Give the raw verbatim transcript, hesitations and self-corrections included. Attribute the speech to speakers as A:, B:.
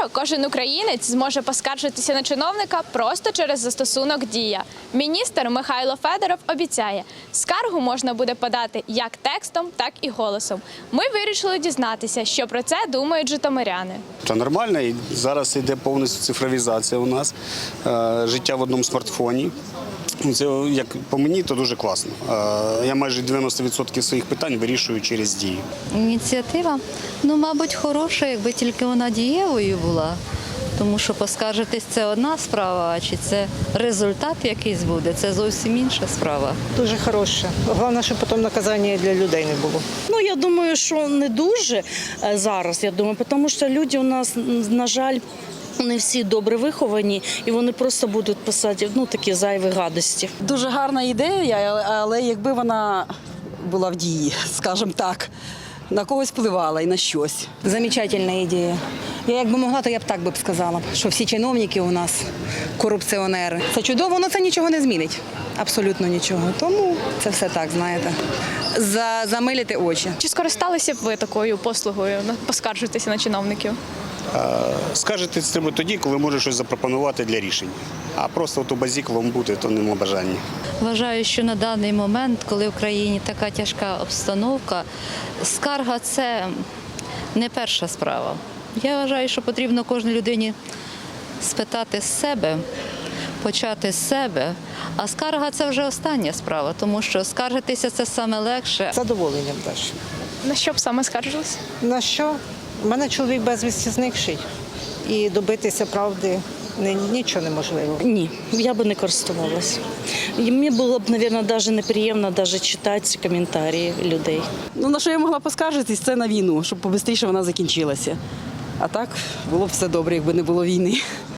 A: Скоро кожен українець зможе поскаржитися на чиновника просто через застосунок «Дія». Міністр Михайло Федоров обіцяє, скаргу можна буде подати як текстом, так і голосом. Ми вирішили дізнатися, що про це думають житомиряни.
B: Це нормально, і зараз йде повністю цифровізація у нас, е, життя в одному смартфоні. Це, як по мені, то дуже класно. Е, я майже дев'яносто відсотків своїх питань вирішую через «Дію».
C: Ініціатива, ну, мабуть, хороша, якби тільки вона дієвою була. Тому що поскаржитись – це одна справа, а чи це результат якийсь буде – це зовсім інша справа.
D: Дуже хороше. Головне, щоб потім наказання для людей не було.
E: Ну, я думаю, що не дуже зараз, я думаю, тому що люди у нас, на жаль, не всі добре виховані, і вони просто будуть писати, ну, такі зайві гадості.
F: Дуже гарна ідея, але якби вона була в дії, скажімо так, на когось впливала і на щось.
G: Замечательна ідея. Я якби могла, то я б так би сказала, що всі чиновники у нас корупціонери. Це чудово, але це нічого не змінить. Абсолютно нічого. Тому це все так, знаєте, За, замилити очі.
A: Чи скористалися б ви такою послугою поскаржитися на чиновників?
B: Скажете, треба тоді, коли може щось запропонувати для рішення. А просто от у базіковому бути, то нема бажання.
C: Вважаю, що на даний момент, коли в країні така тяжка обстановка, скарга – це не перша справа. Я вважаю, що потрібно кожній людині спитати з себе, почати з себе, а скарга – це вже остання справа, тому що скаржитися – це саме легше.
D: Задоволенням теж.
A: На що б саме скаржилися?
D: На що? У мене чоловік безвісті зникший. І добитися правди нічого неможливо.
E: Ні, я би не користувалася. І мені було б, мабуть, навіть неприємно навіть читати коментарі людей.
F: Ну, на що я могла поскаржитись, це на війну, щоб побистріше вона закінчилася. А так було б все добре, якби не було війни.